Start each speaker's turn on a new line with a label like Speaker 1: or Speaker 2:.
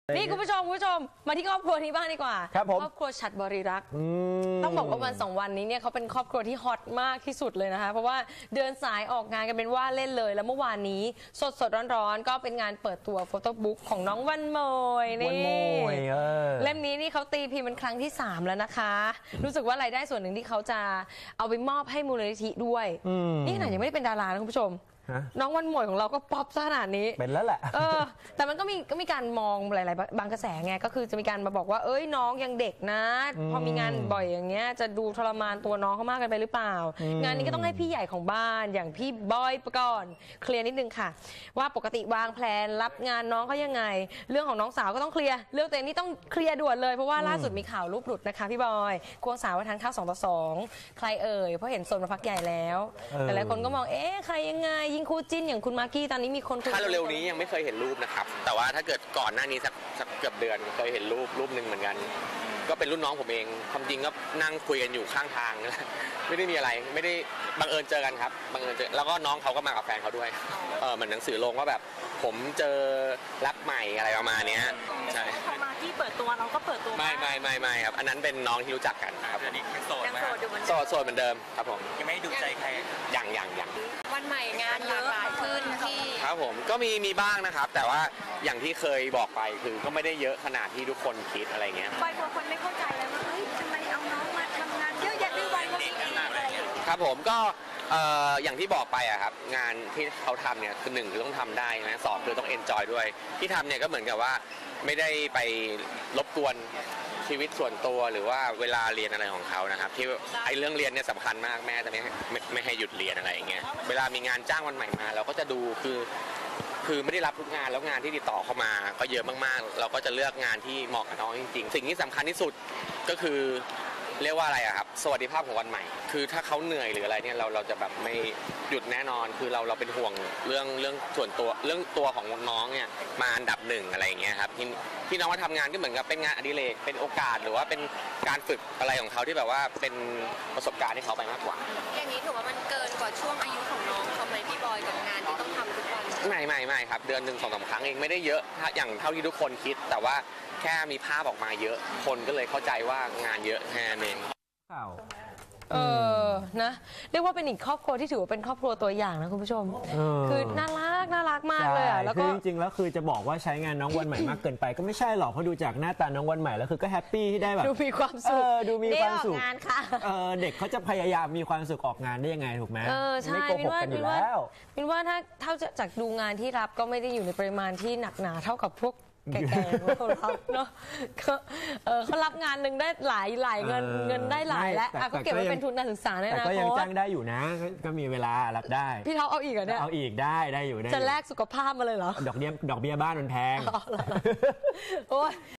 Speaker 1: นี่คุณผู้ชมมาที่ครอบครัวนี้บ้างดีกว่า
Speaker 2: ครับผม
Speaker 1: ครอบครัวฉัตรบริรักษ์ต้องบอกว่าวัน2 วันนี้เนี่ยเขาเป็นครอบครัวที่ฮอตมากที่สุดเลยนะคะเพราะว่าเดินสายออกงานกันเป็นว่าเล่นเลยแล้วเมื่อวานนี้สดร้อนๆก็เป็นงานเปิดตัวโฟโต้บุ๊กของน้องวันโมยนี่เล่มนี้นี่เขาตีพิมพ์เป็นครั้งที่3แล้วนะคะรู้สึกว่ารายได้ส่วนหนึ่งที่เขาจะเอาไปมอบให้มูลนิธิด้วยนี่ขนาดยังไม่ได้เป็นดารานะคุณผู้ชมน้องวันโมยของเราก็ป๊อปซะขนาดนี้
Speaker 2: เป็นแล้วแหละ
Speaker 1: แต่มันก็มีการมองหลายๆบางกระแสไงก็คือจะมีการมาบอกว่าเอ้ยน้องยังเด็กนะพอมีงานบ่อยอย่างเงี้ยจะดูทรมานตัวน้องเขามากกันไปหรือเปล่างานนี้ก็ต้องให้พี่ใหญ่ของบ้านอย่างพี่บอยปกรณ์เคลียร์นิดนึงค่ะว่าปกติวางแผนรับงานน้องเขายังไงเรื่องของน้องสาวก็ต้องเคลียร์เรื่องตัวเองนี่ต้องเคลียร์ด่วนเลยเพราะว่าล่าสุดมีข่าวรูปหลุดนะคะพี่บอยควงสาวไปทานข้าว2:2ใครเอ่ยเพราะเห็นโซนมาพักใหญ่แล้วแต่หลายคนก็มองใครยังไงยิ่งคู่จิ้นอย่างคุณมากกี้ตอนนี้มีคน
Speaker 3: ถ้าเร็วๆนี้ยังไม่เคยเห็นรูปนะครับแต่ว่าถ้าเกิดก่อนหน้านี้สักเกือบเดือนเคยเห็นรูปหนึ่งเหมือนกันก็เป็นรุ่นน้องผมเองความจริงก็นั่งคุยกันอยู่ข้างทางไม่ได้มีอะไรไม่ได้บังเอิญเจอกันครับบังเอิญเจอแล้วก็น้องเขาก็มากับแฟนเขาด้วยเหมือนหนังสือลงว่าแบบผมเจอรักใหม่อะไรประมาณนี้
Speaker 4: ใช่พอมาที่เปิดตัวเราก็เปิดตัว
Speaker 3: ไม่ครับอันนั้นเป็นน้องที่รู้จักกันครับ
Speaker 4: ยังโสดไหม
Speaker 3: โสดเหมือนเดิมครับผม
Speaker 4: ยังไม่ดูใจใคร
Speaker 3: อย่าง
Speaker 1: วันใหม่งานหลากหลายขึ้นที่
Speaker 3: ครับผมก็มีบ้างนะครับแต่ว่าอย่างที่เคยบอกไปคือก็ไม่ได้เยอะขนาดที่ทุกคนคิดอะไรเงี้ย
Speaker 4: บอยกลัวคนไม่เข้าใจเลยว่าเฮ้ยทำไมเอาน้องมาทำงานเยอะแยะด้วยวัยวันนี้อะไรอย่างเงี้ย
Speaker 3: ครับผมก็อย่างที่บอกไปอะครับงานที่เขาทำเนี่ยคือ1คือต้องทำได้นะ2คือต้องเอนจอยด้วยที่ทำเนี่ยก็เหมือนกับว่าไม่ได้ไปรบกวนชีวิตส่วนตัวหรือว่าเวลาเรียนอะไรของเขานะครับที่ไอ้เรื่องเรียนเนี่ยสำคัญมากแม่จะไม่ให้หยุดเรียนอะไรอย่างเงี้ยเวลามีงานจ้างวันใหม่มาเราก็จะดูคือไม่ได้รับทุกงานแล้วงานที่ติดต่อเข้ามาก็เยอะมากๆเราก็จะเลือกงานที่เหมาะกับน้องจริงๆสิ่งที่สำคัญที่สุดก็คือเรียกว่าอะไรอะครับสวัสดิภาพของวันใหม่คือถ้าเขาเหนื่อยหรืออะไรเนี่ยเราจะแบบไม่หยุดแน่นอนคือเราเป็นห่วงเรื่องส่วนตัวเรื่องตัวของน้องเนี่ยมาอันดับ1อะไรอย่างเงี้ยครับที่น้องมาทำงานก็เหมือนกับเป็นงานอดิเรกเป็นโอกาสหรือว่าเป็นการฝึกอะไรของเขาที่แบบว่าเป็นประสบการณ์ที่เขาไปมากกว่า
Speaker 1: อย่างนี้ถือว่ามันเกินกว่าช่วงอายุของน้องทำไมพี่บอยกับงานที่ต้องทำทุกวัน
Speaker 3: ไม่ครับเดือน1 2 3 ครั้งเองไม่ได้เยอะอย่างเท่าที่ทุกคนคิดแต่ว่าแค่มีภาพออกมาเยอะคนก็เลยเข้าใจว่างานเยอะแค่นั้นเอง
Speaker 1: นะเรียกว่าเป็นอีกครอบครัวที่ถือว่าเป็นครอบครัวตัวอย่างนะคุณผู้ชมคือน่ารักมากเลยอ่ะ
Speaker 2: แล้วก็จริงๆแล้วคือจะบอกว่าใช้งานน้องวันใหม่มากเกินไปก็ไม่ใช่หรอกเพราะดูจากหน้าตาน้องวันใหม่แล้วคือก็แฮปปี้ที่ได้แบบ
Speaker 1: ดูมีความสุข
Speaker 2: ดูมีความสุข
Speaker 1: งานค่ะ
Speaker 2: เด็กเขาจะพยายามมีความสุขออกงานได้ยังไงถูกไหม
Speaker 1: ใช่มินว่าถ้าจากดูงานที่รับก็ไม่ได้อยู่ในปริมาณที่หนักหนาเท่ากับพวกแก่ๆเขารับเนาะเขารับงานหนึ่งได้หลายเงินได้หลายแล้วก็เก็บไว้เป็นทุนการศึกษา
Speaker 2: แต่ก็ยังจ้างได้อยู่นะก็มีเวลารับได้
Speaker 1: พี่เท้าเอาอีกเหรอเนี่ย
Speaker 2: เอาอีกได้อยู่
Speaker 1: จะแลกสุขภาพมาเลยเหรอ
Speaker 2: ดอกเบี้ยบ้านมันแพง